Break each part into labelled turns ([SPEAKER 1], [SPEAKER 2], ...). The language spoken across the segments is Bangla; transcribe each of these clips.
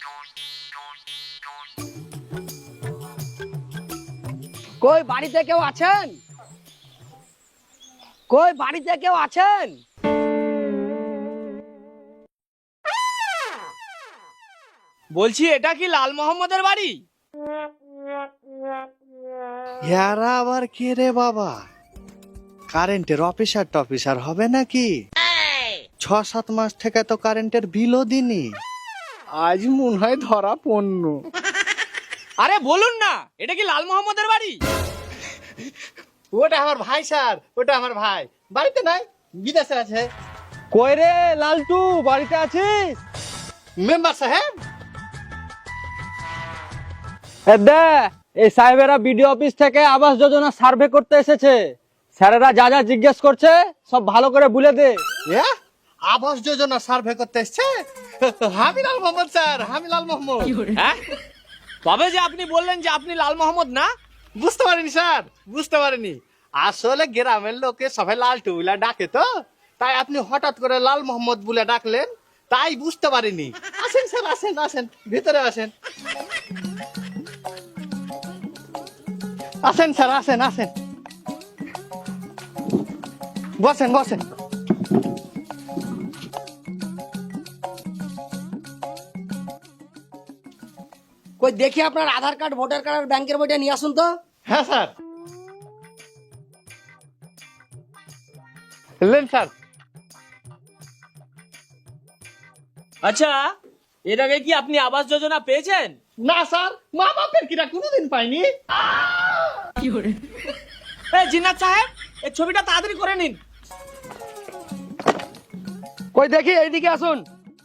[SPEAKER 1] কই বাড়িতে কেউ আছেন? কই বাড়িতে কেউ আছেন?
[SPEAKER 2] বলছি এটা কি লাল মোহাম্মদের বাড়ি?
[SPEAKER 3] ইয়ারা আবার কে রে বাবা? কারেন্টের অফিসার টফিসার হবে নাকি? 6-7 মাস থেকে তো কারেন্টের বিলও দিনি, আজ মনে হয় ধরা পড়ল।
[SPEAKER 2] আরে বলুন না, এটা কি লাল মোহাম্মদের বাড়ি?
[SPEAKER 3] ওটা আমার ভাই স্যার, ওটা আমার ভাই। বাড়িতে নাই, বিদেশে আছে।
[SPEAKER 1] কই রে লালটু, বাড়িতে আছিস?
[SPEAKER 3] মেম্বার সাহেব,
[SPEAKER 1] দে এই সাহেবেরা বিডিও অফিস থেকে আবাস যোজনা সার্ভে করতে এসেছে। স্যারেরা যা যা জিজ্ঞেস করছে সব ভালো করে বলে দে।
[SPEAKER 3] আবাস যোজনা সার্ভে করতে এসছে? আমি লাল মোহাম্মদ স্যার, আমি লাল মোহাম্মদ।
[SPEAKER 2] হ্যাঁ, তবে যে আপনি বললেন যে আপনি লাল মোহাম্মদ না?
[SPEAKER 3] বুঝতে পারিনি স্যার, বুঝতে পারিনি। আসলে গ্রামের লোকে সবাই লালটু বলে ডাকে তো, তাই আপনি হঠাৎ করে লাল মোহাম্মদ বলে ডাকলেন, তাই বুঝতে পারিনি। আসেন স্যার, আসেন আসেন, ভিতরে আসেন। আসেন স্যার, আসেন আসেন, বসেন বসেন।
[SPEAKER 1] কই দেখি আপনার আধার কার্ড, ভোটার কার্ড আর ব্যাংকের বইটা নিয়ে আসুন তো।
[SPEAKER 3] হ্যাঁ স্যার, এলেন স্যার।
[SPEAKER 2] আচ্ছা, এর আগে কি আপনি আবাস যোজনা পেয়েছেন?
[SPEAKER 3] না স্যার, মা বাপের কিনা কোনোদিন পাইনি।
[SPEAKER 2] জিন্নাত সাহেব, এই ছবিটা তাড়াতাড়ি করে নিন।
[SPEAKER 1] কই দেখি এইদিকে আসুন।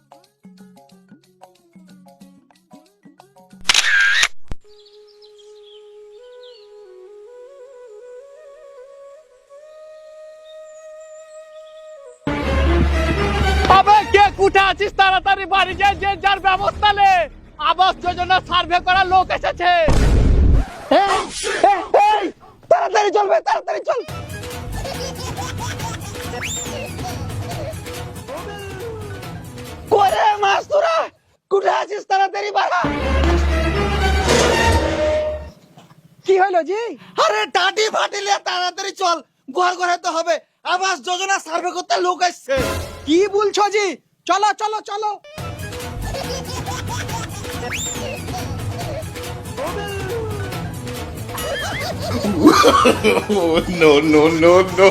[SPEAKER 3] তবে কে কুঠে আছিস, তাড়াতাড়ি বাড়ি যায়, যে যার ব্যবস্থা নে। আবাস যোজনা সার্ভে করার লোক এসেছে।
[SPEAKER 1] তাড়াতাড়ি চলবে, তাড়াতাড়ি চল। করে মাস তোরা কুঠে আছিস, তাড়াতাড়ি বাড়া। কি হলো জি?
[SPEAKER 3] আরে টাটি ফাটিলে তাড়াতাড়ি চল, ঘর ঘরে তো হবে। আবাস যোজনা সার্ভে করতে লোক আসছে।
[SPEAKER 1] কি বলছো জি? চলো চলো চলো।
[SPEAKER 4] No, no, no, no.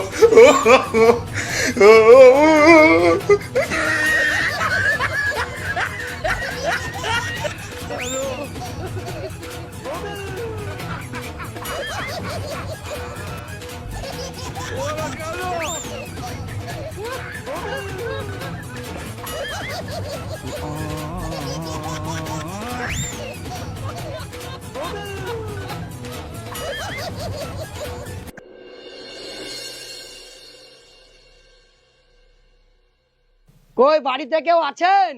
[SPEAKER 1] কই বাড়িতে কেউ আছেন?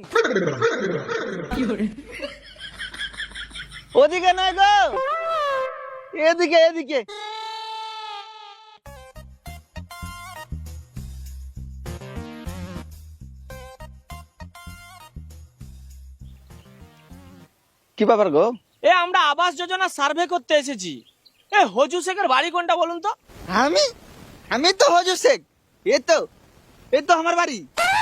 [SPEAKER 1] ওদিকে নয় গো, এদিকে এদিকে। কি ব্যাপার গো?
[SPEAKER 2] আমরা আবাস যোজনা সার্ভে করতে এসেছি। হজু শেখের বাড়ি কোনটা বলুন তো?
[SPEAKER 1] আমি আমি তো হজু শেখ। এ তো আমার বাড়ি।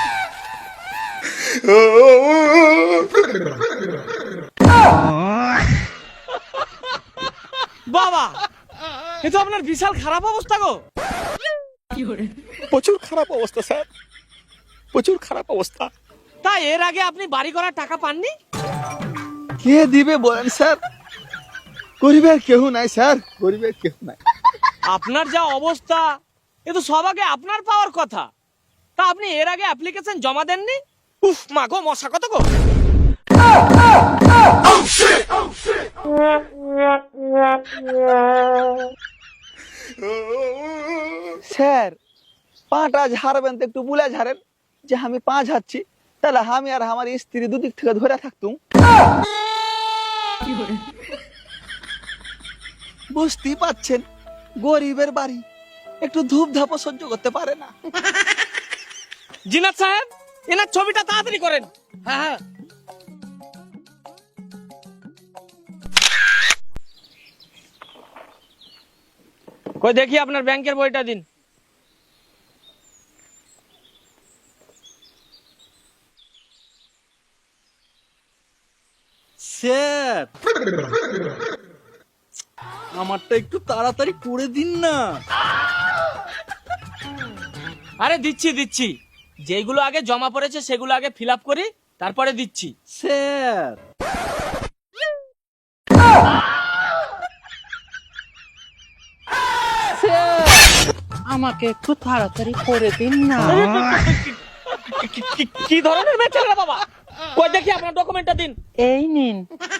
[SPEAKER 2] বাবা, এ তো আপনার বিশাল খারাপ অবস্থা গো।
[SPEAKER 3] প্রচুর খারাপ অবস্থা স্যার, প্রচুর খারাপ অবস্থা।
[SPEAKER 2] তা এর আগে আপনি বাড়ি করার টাকা পাননি?
[SPEAKER 3] কে দিবে বলেন স্যার? গরিবের কেউ নাই স্যার, গরিবের কেউ নাই।
[SPEAKER 2] আপনার যা অবস্থা, এ তো সব আগে আপনার পাওয়ার কথা। তা আপনি এর আগে অ্যাপ্লিকেশন জমা দেননি? উফ মা গো, মশা কত গো।
[SPEAKER 1] স্যার, পাটা ঝাড়বেন তো একটু বুলা ঝাড়েন, যে আমি পা ঝাড়ছি, তাহলে আমি আর আমার স্ত্রী দুদিক থেকে ধরে থাকতুম। বুঝতেই পাচ্ছেন, গরিবের বাড়ি, একটু ধূপ ধাপ সহ্য করতে পারে না।
[SPEAKER 2] জিনাত সাহেব, এনার ছবিটা তাড়াতাড়ি করেন।
[SPEAKER 1] হ্যাঁ হ্যাঁ।
[SPEAKER 2] কই দেখি আপনার ব্যাংকের বইটা দিন।
[SPEAKER 1] স্যার, আমারটা একটু তাড়াতাড়ি করে দিন না।
[SPEAKER 2] আরে দিচ্ছি দিচ্ছি, যেগুলো আগে জমা পড়েছে সেগুলো আগে ফিল আপ করি, তারপরে দিচ্ছি।
[SPEAKER 1] স্যার, আমাকে একটু তাড়াতাড়ি করে দিন না।
[SPEAKER 2] কি ধরনের বেচারা বাবা, কই দেখি আপনার ডকুমেন্টটা দিন।
[SPEAKER 1] এই নিন।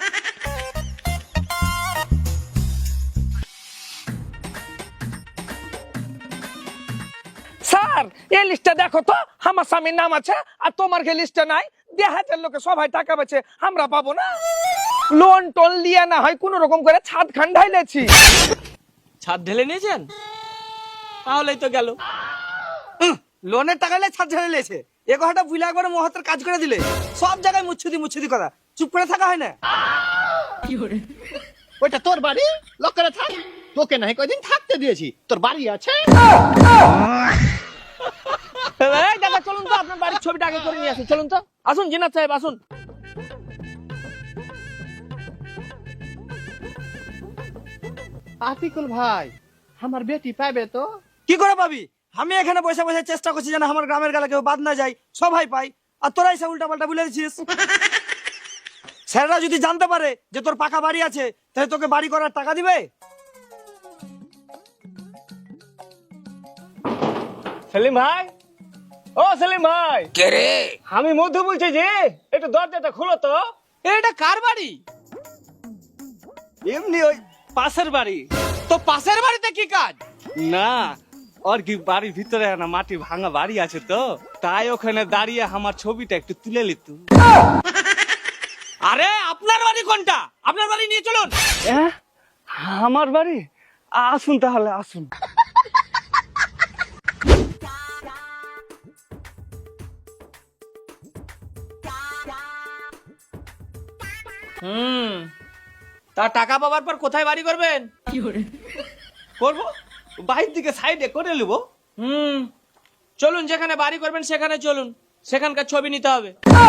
[SPEAKER 2] স্যার এই লিস্টটা দেখো তো, আমার স্বামীর নাম আছে আর তোমার কে লিস্টে নাই। দেহাতের লোকে সবাই টাকা পাচ্ছে, আমরা পাবো না? লোন টোন দিয়ে না হয় কোন রকম করে ছাদ খান ঢাইলেছি। ছাদ ঢেলে নিয়েছেন? তাহলেই তো গেল।
[SPEAKER 5] লোনের টাকা নিয়ে ছাদ ঝেড়ে লেছে, এ কথাটা বুঝলে একবার মহতের কাজ করে দিলে সব জায়গায় মুচ্ছুদি কথা, চুপ করে থাকা হয় না।
[SPEAKER 3] ওইটা তোর বাড়ি, লক করে থাক। তোকে নাই কয়দিন থাকতে দিয়েছি, তোর বাড়ি আছে।
[SPEAKER 2] এই দাদা চলুন তো, আপনার বাড়ির ছবিটা আগে করে নিয়ে আসুন। চলুন তো, আসুন জিনাত সাহেব আসুন।
[SPEAKER 3] আতিকুল ভাই, আমার বেটি পাবে তো?
[SPEAKER 5] কি করে পাবি? আমি এখানে বসে বসে চেষ্টা করছি যেন আমার গ্রামের গালে কেউ বাদ না যায়, সবাই পাই, আর তোরাই সে উল্টা পাল্টা বলে দিচ্ছিস। স্যাররা যদি জানতে পারে যে তোর পাকা বাড়ি আছে, তাহলে তোকে বাড়ি করার টাকা দিবে?
[SPEAKER 2] সেলিম ভাই, ও সেলিম ভাই। কে রে? আমি মধু বলছি যে, একটু দরজাটা খুলো তো। এটা কার বাড়ি?
[SPEAKER 5] এমনি ওই পাশের বাড়ি।
[SPEAKER 2] তো পাশের বাড়িতে কি কাজ?
[SPEAKER 5] না, ওর কি বাড়ির ভিতরে না মাটি ভাঙা বাড়ি আছে তো, তাই ওখানে দাঁড়িয়ে আমার ছবিটা একটু তুলে নিত।
[SPEAKER 2] আরে আপনার বাড়ি কোনটা? আপনার বাড়ি নিয়ে চলুন।
[SPEAKER 5] আমার বাড়ি? আসুন তাহলে আসুন।
[SPEAKER 2] তা টাকা পাওয়ার পর কোথায় বাড়ি করবেন?
[SPEAKER 5] করবো বাইরের দিকে সাইডে করে নেবো।
[SPEAKER 2] চলুন, যেখানে বাড়ি করবেন সেখানে চলুন, সেখানকার ছবি নিতে হবে।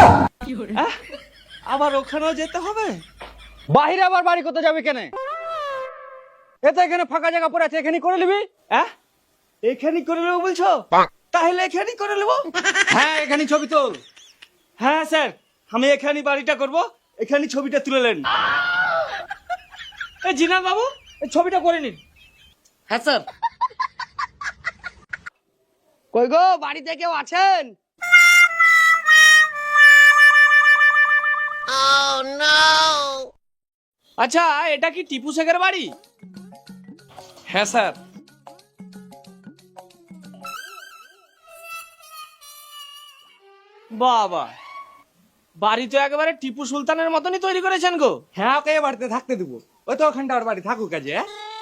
[SPEAKER 5] আবার ওখানেও যেতে হবে?
[SPEAKER 1] বাহিরে আবার বাড়ি করতে যাবে কেন? এতে এখানে ফাঁকা জায়গা পড়ে আছে, এখানে করে নিবি।
[SPEAKER 5] এখানেই করে নেবো বলছো? তাহলে এখানেই করে নেবো।
[SPEAKER 1] হ্যাঁ, এখানে ছবি তোল।
[SPEAKER 5] হ্যাঁ স্যার, আমি এখানেই বাড়িটা করব, এখানেই ছবিটা তুলে নেন।
[SPEAKER 2] এই জিনাত বাবু, এই ছবিটা করে নিন।
[SPEAKER 5] হ্যাঁ স্যার।
[SPEAKER 1] কই গো, বাড়িতে কেউ আছেন?
[SPEAKER 2] আচ্ছা, এটা কি টিপু শেখের বাড়ি?
[SPEAKER 5] হ্যাঁ স্যার।
[SPEAKER 2] বাবা, বাড়ি তো একেবারে টিপু সুলতানের মতনই তৈরি করেছেন গো।
[SPEAKER 5] হ্যাঁ, ওকে এ বাড়িতে থাকতে দেবো, ওই তো ওখানটা ওর বাড়ি থাকুক কাজে।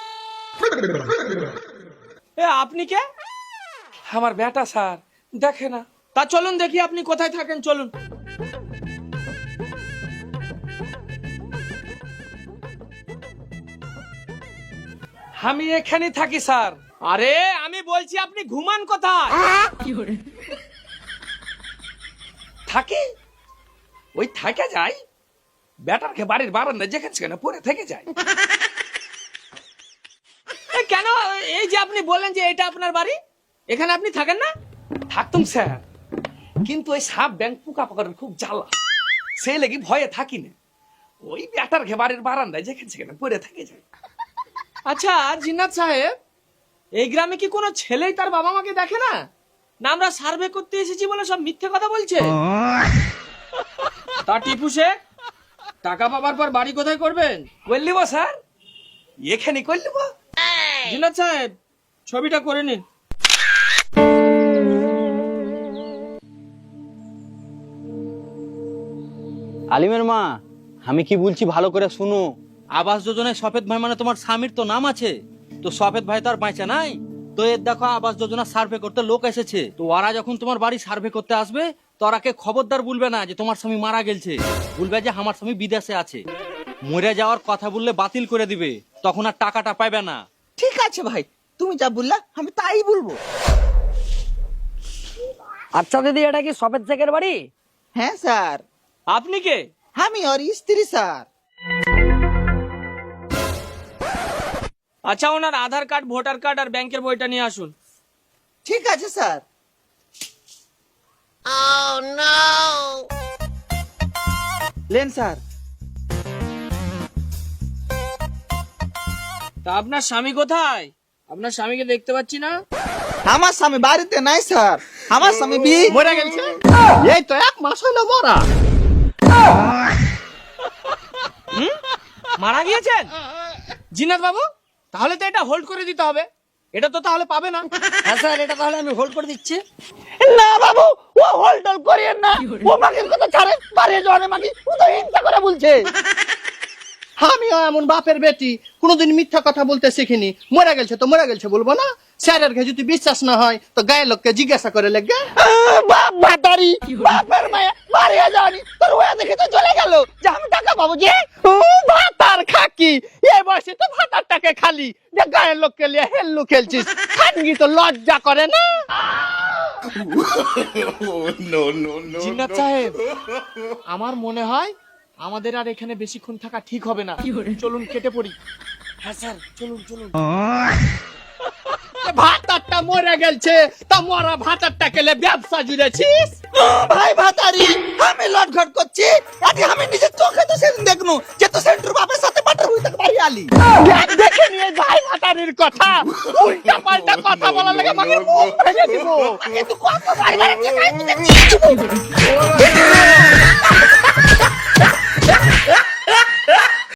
[SPEAKER 2] এ আপনি কে?
[SPEAKER 5] আমার বেটা স্যার, দেখে না।
[SPEAKER 2] তা চলুন দেখি আপনি কোথায় থাকেন, চলুন।
[SPEAKER 5] আমি এখানেই থাকি স্যার।
[SPEAKER 2] আরে আমি বলছি আপনি ঘুমান কোথায়?
[SPEAKER 5] থাকি, ওই থাকে যাই, বেটারকে বাড়ির বারান্দা যেখানে সেখানে পড়ে থেকে যায়।
[SPEAKER 2] এ কেন? এই যে আপনি বললেন যে এটা আপনার বাড়ি, এখানে আপনি থাকেন না?
[SPEAKER 5] থাকতুম স্যার, কিন্তু ওই সাপ ব্যাংক পোকা পাকার খুব জ্বালা, সেই লেগে ভয়ে থাকি না। ওই বেটারকে বাড়ির বারান্দায় যেখানে সেখানে পড়ে থেকে যায়।
[SPEAKER 2] আচ্ছা জিন্নাত সাহেব, এই গ্রামে কি কোনো ছেলেই তার বাবা মাকে দেখে না? না আমরা সার্ভে করতে এসেছি বলে সব মিথ্যে কথা বলছে? তা টিপু শেখ, টাকা পাবার পর বাড়ি কোথায় করবেন?
[SPEAKER 5] করলিব স্যার, এখানে করলিব।
[SPEAKER 2] জিন্নাত সাহেব, ছবিটা করে নিন।
[SPEAKER 1] আলিমের মা, আমি কি বলছি ভালো করে শুনো। আবাস যোজনায় সফেদ ভাই মানে তোমার স্বামীর তো নাম আছে, তো সফেদ ভাই তো আর বাঁচা নাই। তো এর দেখো আবাস যোজনা সার্ভে করতে লোক এসেছে, তো ওরা যখন তোমার বাড়ি সার্ভে করতে আসবে, তো ওরাকে খবরদার বলবে না যে তোমার স্বামী মারা গেছে, বলবে যে আমার স্বামী বিদেশে আছে। মরে যাওয়ার কথা বললে বাতিল করে দিবে, তখন আর টাকাটা পাবে না।
[SPEAKER 5] ঠিক আছে ভাই,
[SPEAKER 6] তুমি যা বললা আমি তাই বলবো।
[SPEAKER 5] আচ্ছা দিদি, এটা কি সফেদ শেখের বাড়ি?
[SPEAKER 6] হ্যাঁ স্যার,
[SPEAKER 5] আপনি কে?
[SPEAKER 6] আমি ওর স্ত্রী স্যার।
[SPEAKER 5] আচ্ছা, ওনার আধার কার্ড, ভোটার কার্ড আর ব্যাংকের বইটা নিয়ে আসুন।
[SPEAKER 6] ঠিক আছে স্যার। Lane sir.
[SPEAKER 5] তা আপনার স্বামী কোথায়? আপনার স্বামীকে দেখতে পাচ্ছি না।
[SPEAKER 6] আমার স্বামী বাড়িতে নাই স্যার, আমার স্বামী
[SPEAKER 3] মরে গেছে, এই তো 1 মাস হলো মরা।
[SPEAKER 5] মারা গিয়েছেন জিনাত বাবু? তাহলে তো এটা হোল্ড করে দিতে হবে, এটা তো তাহলে পাবে না। হ্যাঁ স্যার, এটা তাহলে আমি হোল্ড করে দিচ্ছি।
[SPEAKER 2] না বাবু, ও হোল্ডল করিয়েন না, ও মাগির কথা ছাড়ে, বাড়িয়ে যাওয়ার মাগি ও তো হিংসা করে বলছে।
[SPEAKER 3] আমিও এমন বাপের বেটি, কোনোদিন মিথ্যা কথা বলতে শিখিনি। মরে গেছে তো মরে গেছে বলবো না? স্যারের ঘে যদি বিশ্বাস না হয় তো গায়ের লোককে জিজ্ঞাসা করে লেগে।
[SPEAKER 2] বাপ ভাতারি, বাপের মায়া বাড়িয়ে যাওয়ানি, তোর ওয়া দেখে তো চলে গেল যে আমি টাকা পাবো। যে ও ভাতার খাকি, এই বয়সে তো ভাতারটাকে খালি যে গায়ের লোককে লিয়ে হেল্লু খেলছিস, খানগি তো লজ্জা করে না?
[SPEAKER 4] no, no, no.
[SPEAKER 2] জিন্নাত সাহেব, আমার মনে হয় আমাদের আর এখানে বেশিক্ষণ থাকা ঠিক হবে না, চলুন কেটে পড়ি।
[SPEAKER 5] হ্যাঁ স্যার, চলুন চলুন।
[SPEAKER 3] ভাতারটা মরে গেছে, তা মরা ভাতারটা কেলে ব্যবসা জুড়েছিস?
[SPEAKER 6] ভাই ভাতারি, আমি লটঘট করছি, আজকে আমি নিজের চোখে তো সেদিন দেখনু যে তো সেন্টুর বাপের সাথে পাটার হই তাকে বাড়ি আলি।
[SPEAKER 3] দেখে নিয়ে ভাই ভাতারির কথা, উল্টা পাল্টা কথা বলা লাগে আমাকে মুখ ভেঙে দিব।
[SPEAKER 6] কিন্তু কত ভাই ভাই